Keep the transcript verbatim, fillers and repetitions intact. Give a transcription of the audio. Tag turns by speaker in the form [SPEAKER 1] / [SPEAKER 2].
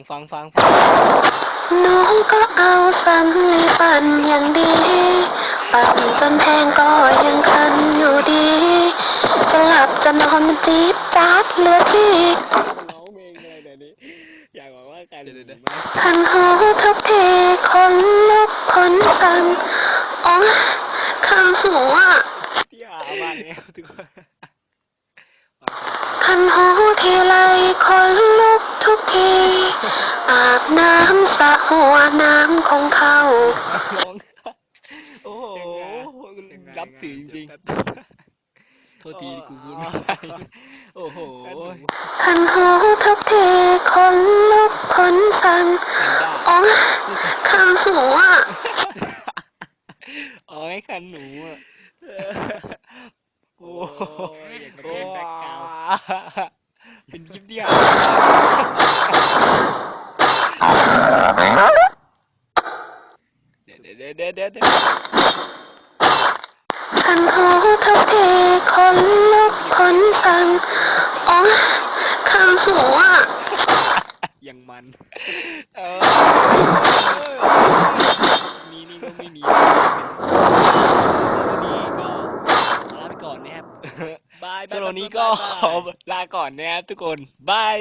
[SPEAKER 1] ฟังฟังฟัง
[SPEAKER 2] หนูก็เอาสำลีปั่นอย่างดีปั่นจนแห้งก็ยังคันอยู่ดีจะหลับจะนอนมันจี๊ดจ๊าดเหลือที่
[SPEAKER 1] ร้องเพลงอะไรเดี๋ยวนี้อยากบอกว่าการเดี๋ยว
[SPEAKER 2] คันหูทุกทีคนลุกคนสั่นอ๋อคันหูอ่ะ
[SPEAKER 1] ที่หามากเนี่ยทุกคน
[SPEAKER 2] คันหูทีไรคนลุกทุกทีอาบน้ำสระหัวน้ำคงเข้า
[SPEAKER 1] ร้องโอ้โหรับถือจริงๆโทษทีกูพูดไม่ได้โอ้โห
[SPEAKER 2] คันหูทุกทีคนลุกคนสั่นอ๋อคันหูอ่ะ
[SPEAKER 1] อ๋อไอ้คันหนูอ่ะโอ้ยอย่างกับเป็นแบ็คกราวด์เป็นคลิปที่หาเดี๋ยวเดี๋ยวเดี๋ยวเดี๋ยวเดี๋ยว
[SPEAKER 2] คันหูทุกทีคนลุกคนสั่นอ๋อคันหูอ่ะ
[SPEAKER 1] ยังมันเออมีนี่ก็ไม่มีวันนี้ก็ลาไปก่อนนะครับบายสำหรับวันนี้ก็ขอลาก่อนนะครับทุกคนบาย